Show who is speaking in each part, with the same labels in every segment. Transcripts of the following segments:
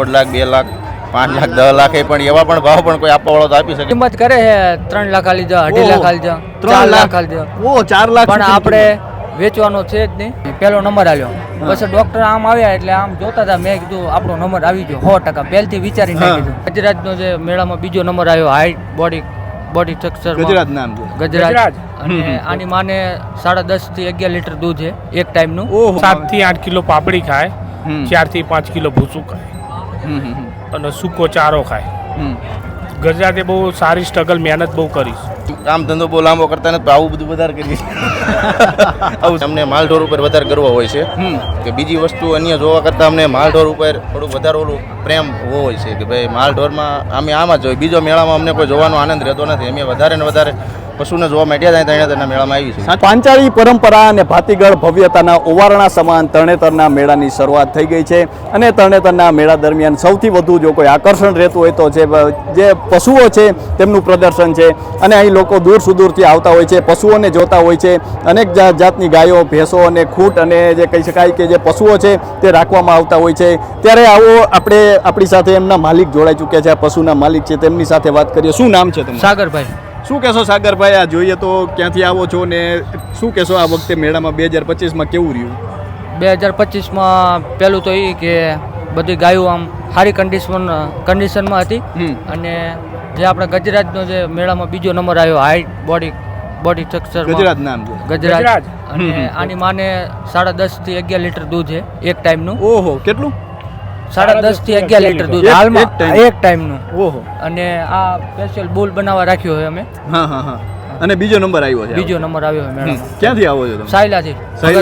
Speaker 1: 1.5 લાખ 2 લાખ 5 લાખ 10 લાખ પણ એવા પણ ભાવ પણ કોઈ આપવા વાળો તો આપી શકે.
Speaker 2: કિંમત કરે છે 3 લાખ આલી જા 2.5 લાખ આલી જા 4 લાખ આલી જા.
Speaker 3: ઓ 4 લાખ
Speaker 2: પણ આપણે વેચવાનો છે જ નહીં. પહેલો નંબર આવ્યો પછી ડોક્ટર આમ આવ્યા એટલે આમ જોતા હતા. મેં કીધું આપણો નંબર આવી ગયો 100%. પહેલથી વિચારી નાખ્યું. ગજરાજનો જે મેળામાં બીજો નંબર આવ્યો હાઈટ બોડી સ્ટ્રક્ચર
Speaker 3: ગજરાજ નામ છે
Speaker 2: ગજરાજ. અને આની માને 10.5 થી 11 લીટર દૂધ છે એક ટાઈમનું.
Speaker 4: 7 થી 8 કિલો પાપડી ખાય, 4 થી 5 કિલો ભૂસું ખાય અને સૂકો ચારો ખાય. ગજરાતે બહુ સારી સ્ટ્રગલ મહેનત બહુ કરીશ.
Speaker 1: કામ ધંધો બહુ લાંબો કરતા નથી, આવું બધું વધારે કરીએ. આવું અમને માલઢોર ઉપર વધારે ગર્વ હોય છે કે બીજી વસ્તુ અન્ય જોવા કરતાં અમને માલઢોર ઉપર થોડું વધારે ઓલું પ્રેમ હોય છે કે ભાઈ માલઢોરમાં અમે આમાં જ જોઈએ. બીજો મેળામાં અમને કોઈ જોવાનો આનંદ રહેતો નથી. અમે વધારે ને વધારે પશુને જોવા માંડ્યા થાય તરણેતરના મેળામાં આવી છે.
Speaker 3: પાંચાળી પરંપરા અને ભાતીગળ ભવ્યતાના ઓવારણા સમાન તરણેતરના મેળાની શરૂઆત થઈ ગઈ છે. અને તરણેતરના મેળા દરમિયાન સૌથી વધુ જો કોઈ આકર્ષણ રહેતું હોય તો જે પશુઓ છે તેમનું પ્રદર્શન છે. અને અહીં લોકો દૂર સુદૂરથી આવતા હોય છે, પશુઓને જોતા હોય છે. અનેક જાતની ગાયો, ભેંસો અને ખૂંટ અને જે કહી શકાય કે જે પશુઓ છે તે રાખવામાં આવતા હોય છે. ત્યારે આવો આપણે આપણી સાથે એમના માલિક જોડાઈ ચૂક્યા છે, આ પશુના માલિક છે, તેમની સાથે વાત કરીએ. શું નામ છે તમારું?
Speaker 2: સાગરભાઈ.
Speaker 3: શું કહેશો સાગરભાઈ, આ જોઈએ તો ક્યાંથી આવો છો ને શું કહેશો આ વખતે મેળામાં 2025માં કેવું રહ્યું?
Speaker 2: 2025માં પહેલું તો એ કે બધી ગાયો આમ સારી કન્ડિશનમાં હતી. અને જે આપણા ગજરાજનો જે મેળામાં બીજો નંબર આવ્યો હાઈટ બોડી સ્ટ્રક્ચર
Speaker 3: ગજરાજ નામ છે
Speaker 2: ગજરાજ. અને આની માને 10.5 થી 11 લીટર દૂધ છે એક ટાઈમનું.
Speaker 3: ઓહો, કેટલું?
Speaker 2: 10.5 થી 11 લીટર દૂધ હાલમાં એક ટાઈમનું.
Speaker 3: ઓહો.
Speaker 2: અને આ સ્પેશિયલ બુલ બનાવવા રાખ્યો છે અમે.
Speaker 3: હા. અને બીજો નંબર આવ્યો છે?
Speaker 2: બીજો નંબર આવ્યો છે મેળામાં.
Speaker 3: ક્યાંથી આવો છો તમે?
Speaker 2: સાયલાથી.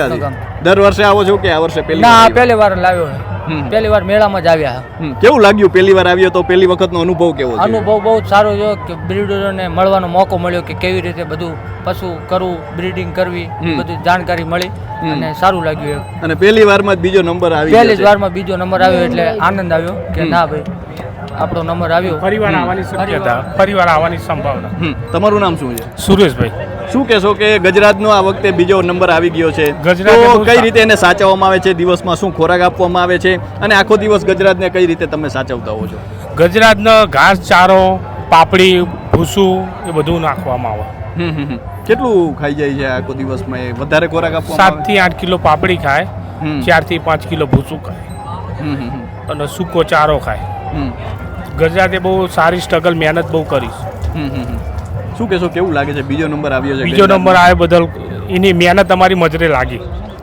Speaker 3: દર વર્ષે આવો છો કે આ વર્ષે પહેલી?
Speaker 2: ના, પહેલી વાર લાવ્યો છે. પહેલી વાર મેળામાં જ આવ્યા.
Speaker 3: કેવું લાગ્યું પહેલી વાર આવ્યો તો? પહેલી વખતનો અનુભવ કેવો છે?
Speaker 2: અનુભવ બહુ સારો છે કે બ્રીડરોને મળવાનો મોકો મળ્યો કે કેવી રીતે બધું પશુ કરવું, બ્રીડિંગ કરવી, બધી જાણકારી મળી અને સારું લાગ્યું.
Speaker 3: અને પહેલી વારમાં જ બીજો નંબર આવ્યો?
Speaker 2: પહેલી જ વારમાં બીજો નંબર આવ્યો એટલે આનંદ આવ્યો કે ના ભાઈ આપણો નંબર આવ્યો.
Speaker 4: ફરીવાર આવવાની શક્યતા, ફરીવાર આવવાની સંભાવના.
Speaker 3: તમારું નામ શું છે?
Speaker 4: સુરેશભાઈ.
Speaker 3: શું કહેશો કે ગજરાજનો આ વખતે બીજો નંબર આવી ગયો છે, તો કઈ રીતે એને સાચવવામાં આવે છે? દિવસમાં શું ખોરાક આપવામાં આવે છે અને આખો દિવસ ગજરાજને કઈ રીતે તમે સાચવતા હો છો?
Speaker 4: ગજરાજનો ઘાસ, ચારો, પાપડી, ભૂસું એ બધું નાખવામાં આવે.
Speaker 3: કેટલું ખાઈ જાય છે આખો દિવસમાં? એ વધારે ખોરાક આપવામાં
Speaker 4: 7 થી 8 કિલો પાપડી ખાય, 4 થી 5 કિલો ભૂસું ખાય અને સૂકો ચારો ખાય. ગજરાતે બહુ સારી સ્ટ્રગલ મહેનત બહુ કરીશ.
Speaker 3: શું કહેશો, કેવું લાગે છે બીજો નંબર આવ્યો છે?
Speaker 4: બીજો નંબર આવ્યો બદલ એની મહેનત અમારી મજરે લાગી.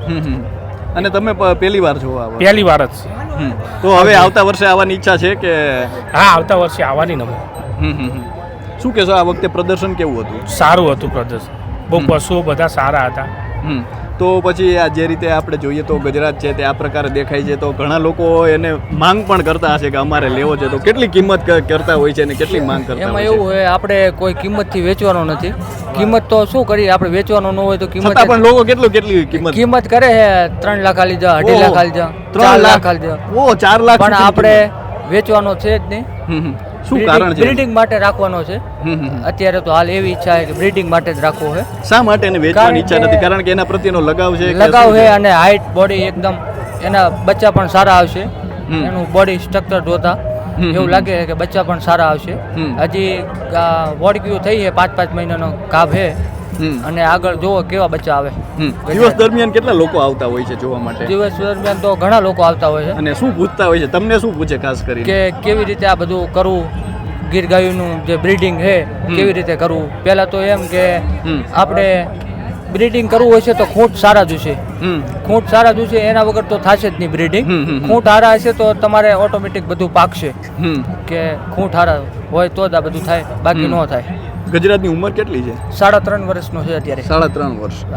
Speaker 3: અને તમે પહેલી વાર છો?
Speaker 4: પહેલી વાર જ છે.
Speaker 3: તો હવે આવતા વર્ષે આવવાની ઈચ્છા છે કે?
Speaker 4: હા, આવતા વર્ષે આવવાની નંબર.
Speaker 3: શું કહેશો, આ વખતે પ્રદર્શન કેવું હતું?
Speaker 4: સારું હતું પ્રદર્શન. બહુ પશુઓ બધા સારા હતા.
Speaker 3: તો પછી આ જે રીતે આપણે જોઈએ તો ગજરાજ છે તે આ પ્રકારે દેખાય છે, તો ઘણા લોકો એને માંગ પણ કરતા હશે કે અમારે લેવો છે. તો કેટલી કિંમત કરતા હોય છે અને કેટલી માંગ કરતા?
Speaker 2: એમાં એવું હોય આપણે કોઈ કિંમતથી વેચવાનો નથી. કિંમત તો શું કરીએ આપણે, વેચવાનો ન હોય તો કિંમત.
Speaker 3: પણ લોકો કેટલી
Speaker 2: કિંમત કરે છે 3 લાખ આલી જા 2.5 લાખ આલી જા 4 લાખ આલી જા.
Speaker 3: ઓ 4 લાખ.
Speaker 2: પણ આપણે વેચવાનો છે જ નહીં.
Speaker 3: શું કારણ છે?
Speaker 2: બ્રીડિંગ માટે રાખવાનો છે. અત્યારે તો હાલ એવી ઈચ્છા છે કે બ્રીડિંગ માટે જ રાખવો છે.
Speaker 3: શા માટે એને વેચવાની ઈચ્છા નથી? કારણ કે એના પ્રત્યેનો લગાવ છે.
Speaker 2: લગાવ છે અને હાઈટ બોડી એકદમ, એના બચ્ચા પણ સારા આવશે. એનું બોડી સ્ટ્રક્ચર જોતા એવું લાગે છે કે બચ્ચા પણ સારા આવશે. હજી વોડક્યુ થઈ છે 5-5 મહિનાનો ગાભ છે. અને આગળ જોવો કેવા બચ્ચા આવે.
Speaker 3: દિવસ દરમિયાન કેટલા લોકો આવતા હોય છે જોવા માટે?
Speaker 2: દિવસ દરમિયાન તો ઘણા લોકો આવતા હોય છે.
Speaker 3: અને શું પૂછતા હોય છે તમને? શું પૂછે ખાસ કરીને?
Speaker 2: કે કેવી રીતે આ બધું કરવું, ગીર ગાયોનું જે બ્રીડિંગ છે કેવી રીતે કરવું. પહેલા તો એમ કે આપણે બ્રીડિંગ કરવું હોય છે તો ખૂંટ સારા જોશે. ખૂંટ સારા જોશે, એના વગર તો થશે જ નહીં બ્રીડિંગ. ખૂંટ સારા હશે તો તમારે ઓટોમેટિક બધું પાકશે. કે ખૂંટ સારા હોય તો જ આ બધું થાય, બાકી ન થાય.
Speaker 3: ગજરાજની ઉંમર કેટલી છે?
Speaker 2: 3.5 વર્ષનો છે અત્યારે.
Speaker 3: 3.5 વર્ષ.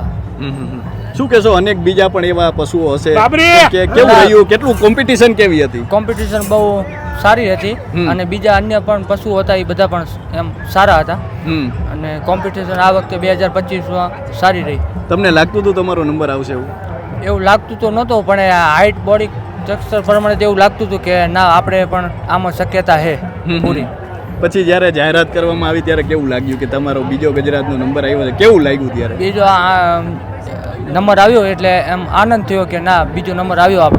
Speaker 3: શું કહેશો, અનેક બીજા પણ એવા પશુઓ હશે કે કેવું રહ્યું? કેટલું કોમ્પિટિશન કેવી હતી?
Speaker 2: કોમ્પિટિશન બહુ સારી હતી અને બીજા અન્ય પણ પશુઓ હતા એ બધા પણ એમ સારા હતા. અને કોમ્પિટિશન આ વખતે 2025માં સારી રહી.
Speaker 3: તમને લાગતું હતું તમારો નંબર આવશે એવું?
Speaker 2: એવું લાગતું તો નહોતું, પણ હાઈટ બોડી સ્ટ્રક્ચર પ્રમાણે એવું લાગતું હતું કે ના આપણે પણ આમાં શક્યતા છે પૂરી.
Speaker 3: પછી જ્યારે જાહેરાત કરવામાં આવી ત્યારે કેવું લાગ્યું કે તમારો બીજો ગજરાજનો નંબર આવ્યો છે? કેવું લાગ્યું ત્યારે?
Speaker 2: બીજો નંબર આવ્યો એટલે એમ આનંદ થયો કે ના બીજો નંબર આવ્યો આપણો.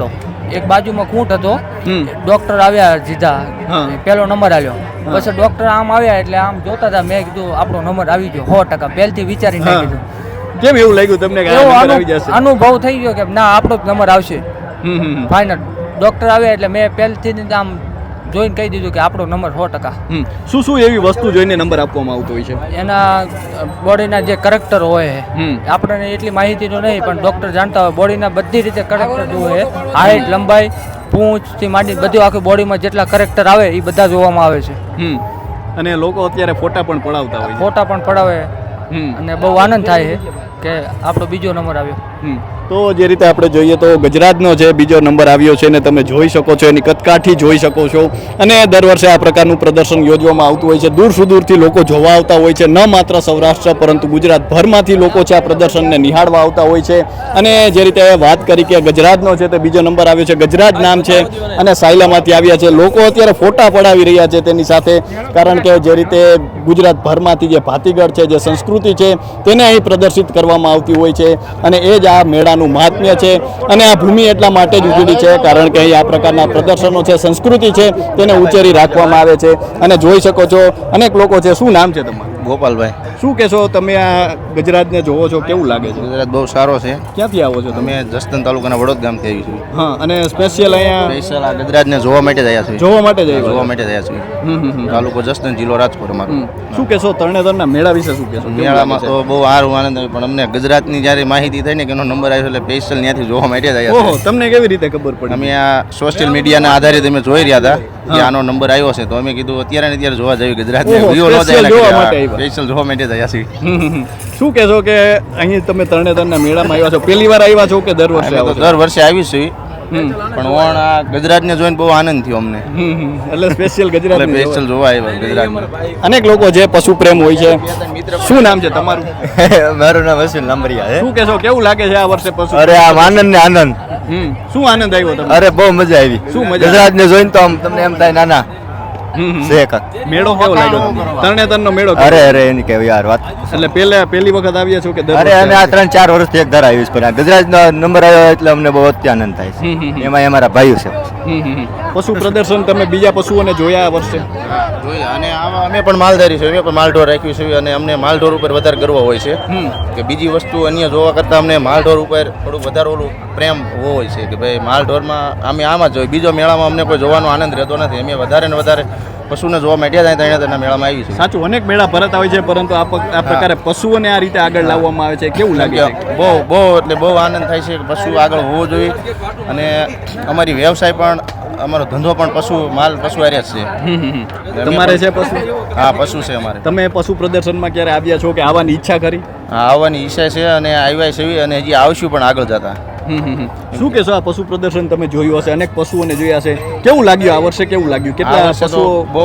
Speaker 2: એક બાજુમાં ખૂંટ હતો,
Speaker 3: હમ.
Speaker 2: ડોક્ટર આવ્યા સીધા,
Speaker 3: હા.
Speaker 2: પહેલો નંબર આવ્યો. પછી ડોક્ટર આમ આવ્યા એટલે આમ જોતા હતા, મેં કીધું આપણો નંબર આવી ગયો 100%, પહેલથી વિચારીને
Speaker 3: હા.
Speaker 2: કીધું.
Speaker 3: કેમ એવું લાગ્યું તમને કે આ
Speaker 2: એવો
Speaker 3: નંબર આવી જશે?
Speaker 2: અનુભવ થઈ ગયો કે ના આપણો જ નંબર આવશે
Speaker 3: હમ, હમ,
Speaker 2: ફાઇનલ. ડોક્ટર આવ્યા એટલે મેં પહેલથી જ આમ જોઈને કહી દીધું કે આપણો નંબર 100%.
Speaker 3: હમ. શું શું એવી વસ્તુ જોઈને નંબર આપવામાં આવતો હોય છે?
Speaker 2: એના બોડીના જે કરેક્ટર હોય,
Speaker 3: હમ.
Speaker 2: આપણને એટલી માહિતી તો નહીં, પણ ડૉક્ટર જાણતા હોય બોડીના બધી રીતે કરેક્ટર જોવે, હાઇટ, લંબાઈ, પૂંછથી માંડી બધું આખી બોડીમાં જેટલા કરેક્ટર આવે એ બધા જોવામાં આવે છે.
Speaker 3: હમ. અને લોકો અત્યારે ફોટા પણ પડાવતા હોય છે.
Speaker 2: ફોટા પણ પડાવે
Speaker 3: હમ.
Speaker 2: અને બહુ આનંદ થાય છે કે આપણો બીજો નંબર આવ્યો.
Speaker 3: હમ. તો જે રીતે આપણે જોઈએ તો ગુજરાતનો જે બીજો નંબર આવ્યો છે ને તમે જોઈ શકો છો, એની કદકાઠી જોઈ શકો છો. અને દર વર્ષે આ પ્રકારનું પ્રદર્શન યોજવામાં આવતું હોય છે. દૂર સુદૂરથી લોકો જોવા આવતા હોય છે, ન માત્ર સૌરાષ્ટ્ર પરંતુ ગુજરાતભરમાંથી લોકો છે આ પ્રદર્શનને નિહાળવા આવતા હોય છે. અને જે રીતે વાત કરી કે ગુજરાતનો છે તે બીજો નંબર આવ્યો છે, ગુજરાત નામ છે અને સાયલામાંથી આવ્યા છે. લોકો અત્યારે ફોટા પડાવી રહ્યા છે તેની સાથે, કારણ કે જે રીતે ગુજરાતભરમાંથી જે ભાતીગળ છે, જે સંસ્કૃતિ છે તેને અહીં પ્રદર્શિત કરવામાં આવતી હોય છે. અને એ જ આ મેળાનું મહાત્મ્ય છે. અને આ ભૂમિ એટલા માટે જ ઉજળી છે કારણ કે અહીં આ પ્રકારના પ્રદર્શનો છે, સંસ્કૃતિ છે તેને ઉછેરી રાખવામાં આવે છે. અને જોઈ શકો છો અનેક લોકો છે. શું નામ છે તમારું?
Speaker 1: ગોપાલભાઈ.
Speaker 3: શું કહેશો તમે આ ગુજરાતને જોવો છો, કેવું લાગે છે?
Speaker 1: ગુજરાત બહુ સારો છે.
Speaker 3: ક્યાંથી આવો છો તમે?
Speaker 1: અમે જસદણ તાલુકાના વડોદ ગામથી આવી છું.
Speaker 3: હા. અને સ્પેશિયલ અહીંયા
Speaker 1: સ્પેશિયલ આ ગુજરાતને જોવા માટે જ આવ્યા છીએ.
Speaker 3: જોવા માટે જ
Speaker 1: જોવા
Speaker 3: આવ્યા?
Speaker 1: માટે જ આવ્યા છીએ.
Speaker 3: હમ, હમ, હમ.
Speaker 1: તાલુકો જસદણ, જિલ્લો રાજકોટ અમારો.
Speaker 3: શું કહેશો તરણેતરના મેળા વિશે? શું કહેશો? કેવું
Speaker 1: મેળામાં
Speaker 3: લાગે
Speaker 1: તો બહુ સારું આનંદ આવ્યો, પણ અમને ગુજરાતની જ્યારે માહિતી થઈ ને કે એનો નંબર આવ્યો એટલે સ્પેશિયલ ત્યાંથી જોવા માટે જ
Speaker 3: છે?
Speaker 1: આવ્યા
Speaker 3: ઓહો,
Speaker 1: છીએ.
Speaker 3: તમને કેવી રીતે ખબર પડી?
Speaker 1: અમે આ સોશિયલ મીડિયાના આધારિત અમે જોઈ રહ્યા હતા કે આનો નંબર આવ્યો છે, તો અમે કીધું અત્યારે ને અત્યારે જોવા જઈએ ગુજરાતને.
Speaker 3: ઓહો,
Speaker 1: વિડીયો નહોતા
Speaker 3: special
Speaker 1: એના
Speaker 3: જોવા
Speaker 1: કર્યા.
Speaker 3: માટે આવ્યા.
Speaker 1: સ્પેશિયલ જોવા માટે જ આવ્યા છીએ.
Speaker 3: હમ, હમ, હમ. શું કહેશો કે અહીં તમે તરણેતરના મેળામાં આવ્યા છો, પહેલી વાર આવ્યા છો કે દર વર્ષે
Speaker 1: અમે
Speaker 3: આવો
Speaker 1: તો
Speaker 3: છો?
Speaker 1: દર વર્ષે આવી છીએ,
Speaker 3: હમ.
Speaker 1: પણ ઓણ આ ગુજરાતને જોઈને બહુ આનંદ થયો અમને,
Speaker 3: હમ, હમ. એટલે સ્પેશિયલ
Speaker 1: એટલે
Speaker 3: ગુજરાત
Speaker 1: સ્પેશિયલ જોવા આવ્યા ગુજરાતમાં.
Speaker 3: અનેક લોકો જે પશુ પ્રેમ હોય છે. શું નામ છે તમારું?
Speaker 5: મારું નામ વસીલ લાંબરિયા છે.
Speaker 3: શું કહેશો કેવું લાગે છે આ વર્ષે પશુ?
Speaker 5: અરે આમ આનંદ ને આનંદ.
Speaker 3: હમ. શું આનંદ આવ્યો તમને?
Speaker 5: અરે બહુ મજા આવી.
Speaker 3: શું મજા?
Speaker 5: ગુજરાત ને જોઈને તો આમ તમને એમ થાય નાના
Speaker 3: હમ, હમ.
Speaker 5: છે કાંક.
Speaker 3: મેળો કેવો લાગ્યો તમને? તરણેતરનો મેળો કેવો?
Speaker 5: અરે અરે એની કેવી યાર વાત.
Speaker 3: એટલે પહેલી વખત આવ્યા છો કે દર
Speaker 5: અરે
Speaker 3: વર્ષે
Speaker 5: અમે આ
Speaker 3: આવ્યા?
Speaker 5: 3-4 વર્ષથી એક ધાર આવ્યું છે, પણ આ ગુજરાતનો નંબર આવ્યો એટલે અમને બહુ અત્ય આનંદ થાય
Speaker 3: હમ, હમ,
Speaker 5: છે.
Speaker 3: હમ.
Speaker 5: એમાં અમારા ભાઈઓ છે.
Speaker 3: હમ, હમ, હમ. પશુ પ્રદર્શન તમે બીજા પશુઓને જોયા આ વર્ષે?
Speaker 1: જોઈએ અને આમાં અમે પણ માલધારી છે, અમે પણ માલઢોર રાખ્યું છે અને અમને માલઢોર ઉપર વધારે ગર્વ હોય છે
Speaker 3: હમ.
Speaker 1: કે બીજી વસ્તુ અન્ય જોવા કરતાં અમને માલઢોર ઉપર થોડું વધારે ઓલું પ્રેમ હોય છે કે ભાઈ માલઢોરમાં અમે આમાં જોઈએ. બીજો મેળામાં અમને કોઈ જોવાનો આનંદ રહેતો નથી. અમે વધારે ને વધારે પશુને જોવા માટે જાય તરણેતરના મેળામાં આવી છે.
Speaker 3: સાચું, અનેક મેળા ભરત આવે છે, પરંતુ આ પ્રકારે પશુઓને આ રીતે આગળ લાવવામાં આવે છે, કેવું લાગે છે?
Speaker 1: બહુ બહુ એટલે બહુ આનંદ થાય છે કે પશુ આગળ હોવો જોઈએ. અને અમારી વ્યવસાય પણ, અમારો ધંધો પણ પશુ હારે જ છે.
Speaker 3: હમ, હમ, હમ. તમારે છે પશુ?
Speaker 1: હા, પશુ છે અમારે.
Speaker 3: તમે પશુ પ્રદર્શનમાં ક્યારે આવ્યા છો કે આવવાની ઈચ્છા કરી?
Speaker 1: હા, આવવાની ઈચ્છા છે અને આવ્યા છે અને હજી આવશું પણ આગળ જતા.
Speaker 3: હમ, હમ, હમ. શું કહેશો આ પશુ પ્રદર્શન તમે જોયું હશે, અનેક પશુઓને જોયા છે, કેવું લાગ્યું આ વર્ષે? કેવું લાગ્યું?
Speaker 1: આ
Speaker 3: કેટલા
Speaker 1: વર્ષે તો
Speaker 3: પશુઓ?
Speaker 1: બહુ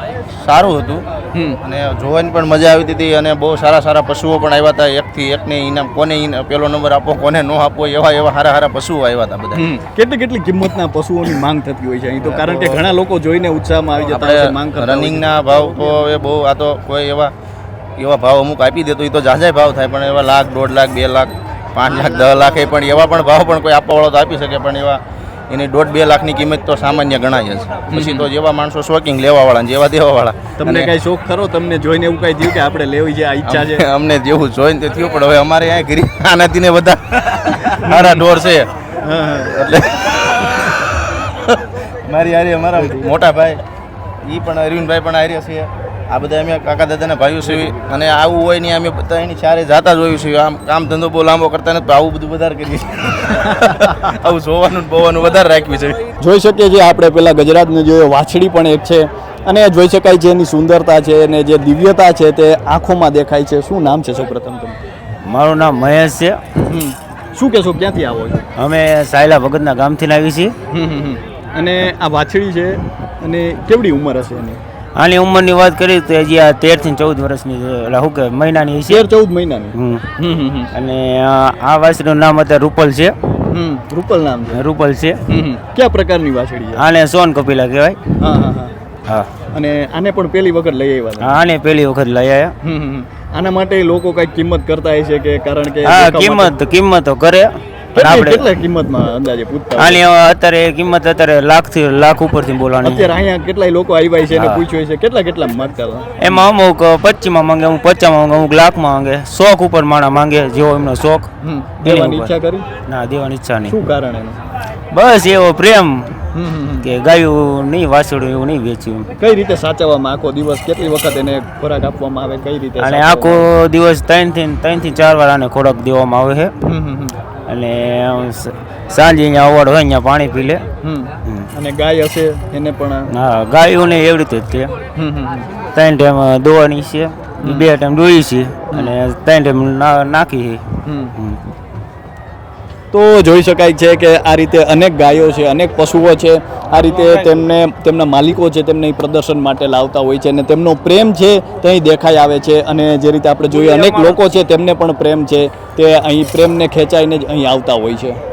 Speaker 1: સારું હતું
Speaker 3: હમ.
Speaker 1: અને જોવાની પણ મજા આવતી હતી અને બહુ સારા સારા પશુઓ પણ આવ્યા હતા. એકથી એકને ઇનામ, કોને પેલો નંબર આપો કોને ન આપો એવા સારા સારા પશુઓ આવ્યા હતા બધા.
Speaker 3: હમ. કેટલી કિંમતના પશુઓની માંગ થતી હોય છે અહીં તો? કારણ કે ઘણા લોકો જોઈને ઉત્સાહમાં આવી જતા હોય છે, માંગ કરતા હોય છે.
Speaker 1: રનિંગના ભાવ તો એ બહુ, આ તો કોઈ એવા ભાવ અમુક આપી દે તો એ તો જાજાય ભાવ થાય, પણ એવા 1 લાખ, 1.5 લાખ, 2 લાખ, 5 લાખ, 10 લાખ પણ એવા પણ ભાવ પણ કોઈ આપવા વાળો તો આપી શકે, પણ એવા એની 1.5-2 લાખની કિંમત તો સામાન્ય ગણાય જ. પછી તો જેવા માણસો શોકિંગ લેવા વાળા જેવા દેવા વાળા.
Speaker 3: તમને કઈ શોખ ખરો? તમને જોઈને એવું કઈ થયું કે આપણે લેવી છે, આ ઈચ્છા છે?
Speaker 1: અમને જેવું જોઈને તે થયું, પણ હવે અમારે અહીંયા ગરી આનાથી ને બધા મારા ઢોર છે
Speaker 3: હા, હા.
Speaker 1: એટલે મારી હારી અમારા મોટા ભાઈ એ પણ અરવિંદભાઈ પણ હારે છે. આ બધા અમે કાકા દાદાના ભાઈઓ છીએ અને આવું હોય ને અમે બધા એની ચારે જાતા જોયું છે. આમ કામ ધંધો બહુ લાંબો કરતા નથી, આવું બધું વધારે કરીએ છીએ. આવું જોવાનું બોવાનું વધારે રાખ્યું છે.
Speaker 3: જોઈ શકીએ છીએ આપણે પેલા ગુજરાતને જોયો, વાછડી પણ એક છે અને જોઈ શકાય છે એની સુંદરતા છે અને જે દિવ્યતા છે તે આંખોમાં દેખાય છે. શું નામ છે સૌપ્રથમ તમે?
Speaker 5: મારું નામ મહેશ છે.
Speaker 3: શું કહેશો, ક્યાંથી આવો છો?
Speaker 5: અમે સાયલા ભગતના ગામથી આવી છીએ.
Speaker 3: અને આ વાછડી છે અને કેવડી ઉંમર હશે એની?
Speaker 5: આની ઉંમરની વાત કરીએ તો હજી આ 13 થી 14 વર્ષની છે, એટલે શું કે મહિનાની છે.
Speaker 3: 13-14 મહિનાની.
Speaker 5: હમ. અને આ વાછડીનું નામ અત્યારે રૂપલ છે.
Speaker 3: રૂપલ નામ છે.
Speaker 5: રૂપલ છે.
Speaker 3: કયા પ્રકારની વાછડી છે?
Speaker 5: આને સોન કપિલા કહેવાય.
Speaker 3: હા, હા, હા.
Speaker 5: હા.
Speaker 3: અને આને પણ પહેલી વખત લઈ આવ્યા હતા?
Speaker 5: આને પહેલી વખત લઈ આવ્યા.
Speaker 3: આના માટે લોકો કઈ કિંમત કરતા હોય છે કે? કારણ કે
Speaker 5: હા, કિંમત તો કરે,
Speaker 3: કેટલા કિંમતમાં અંદાજે પૂછતા હોય?
Speaker 5: આની અત્યારે કિંમત અત્યારે લાખ ઉપરથી બોલવાની
Speaker 3: અત્યારે અહીંયા કેટલાય લોકો આવ્યા છે એને
Speaker 5: હા.
Speaker 3: પૂછ્યું છે કેટલા માંગતા હતા?
Speaker 5: એમાં અમુક 25માં માંગે, અમુક 50માં માંગે, અમુક લાખમાં માંગે, શોખ ઉપર માણા માંગે, જેવો એમનો શોખ.
Speaker 3: દેવાની ઈચ્છા કરી?
Speaker 5: ના, દેવાની ઈચ્છા નહીં.
Speaker 3: શું કારણ એનું?
Speaker 5: બસ એવો પ્રેમ કે ગાયું નહીં વાછડું એવું નહીં વેચ્યું.
Speaker 3: કઈ રીતે સાચવવામાં આખો દિવસ કેટલી વખત એને ખોરાક આપવામાં આવે કઈ રીતે
Speaker 5: અને
Speaker 3: સાચવવામાં
Speaker 5: આખો દિવસ 3 થી 4 વાર આને ખોરાક દેવામાં આવે છે.
Speaker 3: આવે?
Speaker 5: અને સાંજે અહીંયા અવાડ હોય અહીંયા પાણી પી લે.
Speaker 3: અને ગાય હશે એને પણ
Speaker 5: હા, ગાયોને એવી રીતે જ છે. 3 ટાઈમ દોવાની છે, 2 ટાઈમ દોઈ છે અને 3 ટાઈમ નાખી છે.
Speaker 3: તો જોઈ શકાય છે કે આ રીતે અનેક ગાયો છે, અનેક પશુઓ છે, આ રીતે તેમના માલિકો છે તેમને અહીં પ્રદર્શન માટે લાવતા હોય છે અને તેમનો પ્રેમ છે તે અહીં દેખાઈ આવે છે. અને જે રીતે આપણે જોઈએ અનેક લોકો છે તેમને પણ પ્રેમ છે તે અહીં પ્રેમને ખેંચાઈને જ અહીં આવતા હોય છે.